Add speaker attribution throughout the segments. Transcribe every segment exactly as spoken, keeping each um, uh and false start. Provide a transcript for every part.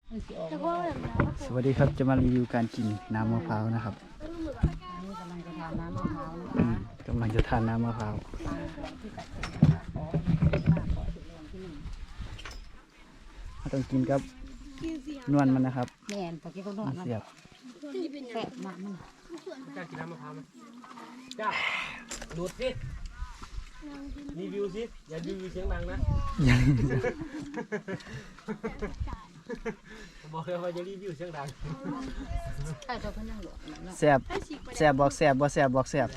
Speaker 1: สวัสดีครับจะมารีวิวการกินน้ำมะพร้าวนะครับ
Speaker 2: นี่กำลังจะทานน้ำมะพร้าวนะ
Speaker 1: อืมกำลังจะทานน้ำมะพร้าวต้องกินกับนวลมันนะครับ
Speaker 2: แม่นตะกี้เขานวดมัน
Speaker 1: เสียบ
Speaker 2: แซ่บมากมัน
Speaker 3: กล้ากินน้ำมะพร้าวไหมกล้าดูดสิรีวิวสิอย่ารีวิวเสียงดังนะบอกเลยว่าจะรีวิวเสียงดัง
Speaker 2: ใช่เขาเพิ่งนั่งหลวเนาะ
Speaker 1: เสียบเสียบบอกเสียบบอกเสียบบอกเสียบ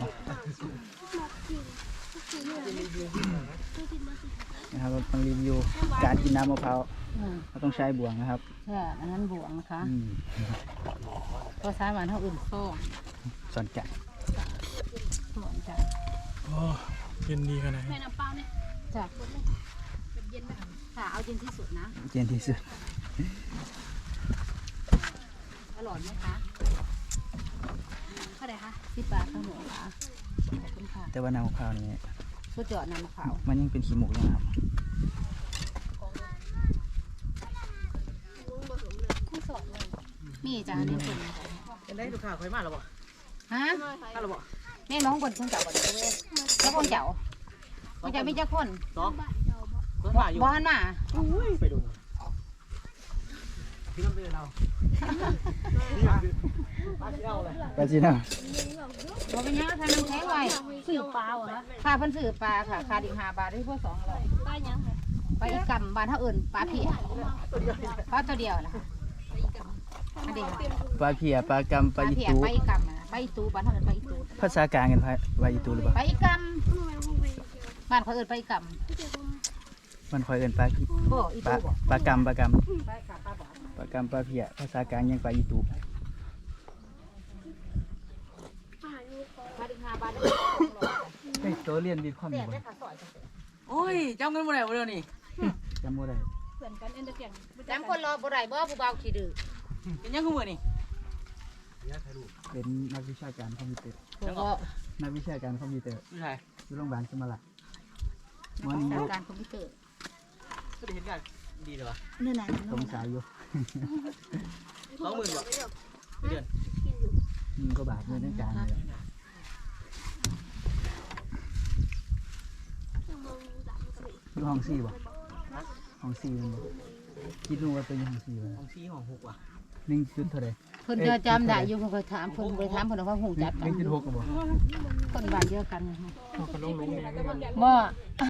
Speaker 1: นะครับเราต้องรีวิวการกินน้ำมะพร้าว
Speaker 2: อืม
Speaker 1: เราต้องใช้บ่วงนะครับ
Speaker 2: ใช่อันนั้นบวงนะคะ
Speaker 1: อืม
Speaker 2: ภาษาบ้านเขาอื่นโซ่
Speaker 1: สอนจัก
Speaker 2: โซ่จ้ะ
Speaker 3: โอ้เย็นดีขนาดนี้
Speaker 2: จ้ะค่ะเอาเย็นที่สุดนะ
Speaker 1: เย็นที่สุด
Speaker 2: อร่อยไหมคะเท่าไหร่คะสิบบาทข้าวหมูค่ะขอบคุณค่ะ
Speaker 1: แต่ว่าน้ำมะพร้าวนี่
Speaker 2: สุดยอดน้ำมะพร้าว
Speaker 1: มันยังเป็นขี้หมูอยู่นะครับ
Speaker 2: มีจ้ะนี่คุณ
Speaker 3: เป็นได้ลูกค้าคอยมาหรอบ่
Speaker 2: ฮะ
Speaker 3: มาหรอบ่
Speaker 2: แม่น้องคนคงเจ้าบ่ได้เว้ยแล้วคนเจ้าคนเจ้ามีเจ้าคน
Speaker 3: สองเพื่อนมาอยู่
Speaker 2: บ้านน่ะ
Speaker 3: ไปดูพี่น้ำเป็นเราปลาเที่ยวเลย
Speaker 1: ไปจีน่า
Speaker 2: บ่เป็นยังทานน้ำแข็งไว้ซื้อปลาเหรอค่าเพิ่นซื้อปลาค่ะค่าอีกห้าบาทได้พวกสองร้อยปลายังปลาอีกกำบ้านเฮาเอิ้นปลาเพียปลาตัวเดียวน่ะอันเดียว
Speaker 1: ปลาเพียปลากำปลาอี
Speaker 2: เพีย
Speaker 1: ตู
Speaker 2: ปลาอีกกำน่ะปลาอีตูบ้านเฮาเอิ้นปลาอีตู
Speaker 1: ภาษากลางกันปลาอีตูหรือเปล่า
Speaker 2: ปลาอีกกำบ้านเขาเอิ้นปลาอีกกำ
Speaker 1: มันคอยเอินปลากิ
Speaker 2: บ่อี
Speaker 1: ปลา
Speaker 2: ตูบ่
Speaker 1: ปลากำปลาก
Speaker 2: ปลาอีกกำปลาบ่
Speaker 1: ำปลากำปลาเพียภาษากลางยังปลาอีตู
Speaker 2: ปลาอีกห้าบาทได้
Speaker 1: เฮ้ยตัวเรียนดีความ
Speaker 2: แซ่
Speaker 1: ดี
Speaker 2: บ
Speaker 1: บ่
Speaker 2: ได้ค่ะซอยจังซี่
Speaker 3: โอ้ยเจ้าเงินมาแล้วเดี๋ยวนี้
Speaker 1: จำบ่ได้
Speaker 2: จำคนรอบ่ได้บ่ผู้เบาขี้ดื้อ
Speaker 3: เป็นยังกูมือนี่
Speaker 1: เป็นนักวิชาการคอมพิวเตอร์
Speaker 2: แล้วก็
Speaker 1: นักวิชาการคอมพิวเตอร์
Speaker 3: ผู้ชาย
Speaker 1: อยู่โรงพยาบาลสมรักมอนี้อยู่
Speaker 2: การคอมพิวเตอร์
Speaker 3: ก็ได้เห็นกันดีเลยวะ
Speaker 2: นี่น่ะ
Speaker 1: สงสัยอยู่
Speaker 3: สองหมื่นบ่เดือน
Speaker 1: มึงก็บาทเงินในการเลยอยู่ห้องสี่บ่ห้องสี่มันบ่คิดดูว่าเป็นห้องสี่บ่
Speaker 3: ของซีของหกว่ะ
Speaker 1: หนึ่งจุดเท่าไหร่
Speaker 2: เพิ่นจะจำได้อยู่เพิ่นเคยถามเพิ่นเคยถามเพิ่นว่าฮู้จัก
Speaker 1: ห
Speaker 2: กั
Speaker 1: นึ่
Speaker 2: น
Speaker 1: งจุดหกก็บ่
Speaker 2: คนบ้านเดียวกัน
Speaker 3: เขาลงลงแดง
Speaker 2: บ่